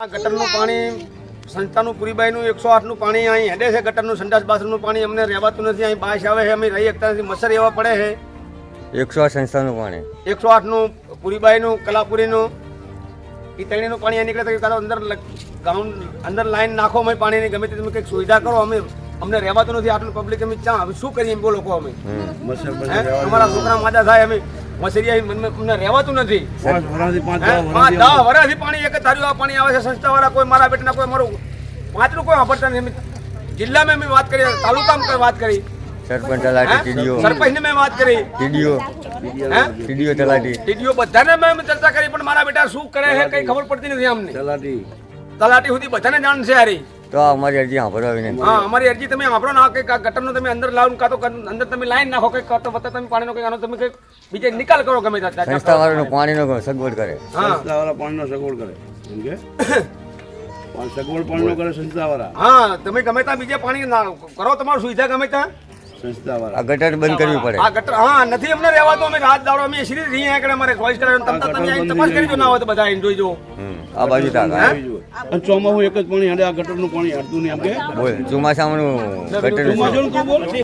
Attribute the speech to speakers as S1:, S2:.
S1: ગટરનું પાણી સંસ્થાનું પુરીબાઈનું 108નું પાણી અહીં હેડે છે. ગટરનું સંડાસ બાથરૂમનું પાણી અમને રહેવાતું નથી. અહીં બાશ આવે છે, અમે રહી શકતા નથી. મચ્છર એવા પડે છે.
S2: 108 સંસ્થાનું પાણી,
S1: 108નું પુરીબાઈનું, કલાપુરીનું, એ ત્રણેયનું પાણી અહીં નીકળે. તો અંદર ગ્રાઉન્ડ અંદર લાઈન નાખો, અમે પાણીની ગમે તે તમે કંઈક સુવિધા કરો. અમને રહેવાતું નથી. આટલું પબ્લિક અમે ચા હવે શું કરીએ બોલો કહો. અમે અમારા છોકરા માદા થાય, અમે મસરિયા અમને રહેવાતું નથી. 5-10 વર્ષથી પાણી એક ધાર્યું આ પાણી આવે છે. સંસ્થાવાળા કોઈ મારા બેટના કોઈ મારું પાંચનું કોઈ વાપરતા નથી. જિલ્લામાં મેં વાત કરી, તાલુકામાં વાત કરી,
S2: સરપંચ તલાટી ટીડીઓ,
S1: સરપંચને મેં વાત કરી,
S2: ટીડીઓ
S1: ટીડીઓ બધાને મેં ચર્ચા કરી, પણ મારા બેટા શું કરે છે કઈ ખબર પડતી નથી અમને. તલાટી સુધી બધાને જાણ છે યારી.
S2: તો અમારી અરજી સાંભળવા વિનંતી.
S1: હા, અમારી અરજી તમે સાંભળો ના, કે ગટરનું તમે અંદર લાવો, કાં તો અંદર તમે લાઈન નાખો, કઈ કાં તો વત્તા તમે પાણીનો કઈ આનો તમે કઈ બીજે નિકાલ કરો. ગમે ત્યાં
S2: સંસ્થાવાળાનો પાણીનો સગવડ કરે.
S3: સંસ્થાવાળા પાણીનો સગવડ કરે. સગવડ પાણીનો કરે સંસ્થાવાળા.
S1: હા, તમે ગમે ત્યાં બીજે પાણી કરો, તમારું સુવિધા ગમે ત્યાં
S3: સંસ્થાવાળા.
S2: આ ગટર બંધ કરવી પડે.
S1: આ ગટર હા નથી અમને રહેવાતો. અમે રાત દાડો અમે સીધી રહી આગળ અમારે ચોઈસ કરે. તમે તપાસ કરી જો ના હોય તો બધા અહીં જોઈ જો.
S2: આ બાજુ તાકા
S3: ચોમાસું એક જ પાણી હાડે. આ ગટરનું પાણી હાડતું નહીં. આમ કે
S2: બોલ ચોમાસાનું ગટર
S3: ચોમાસું તું બોલ.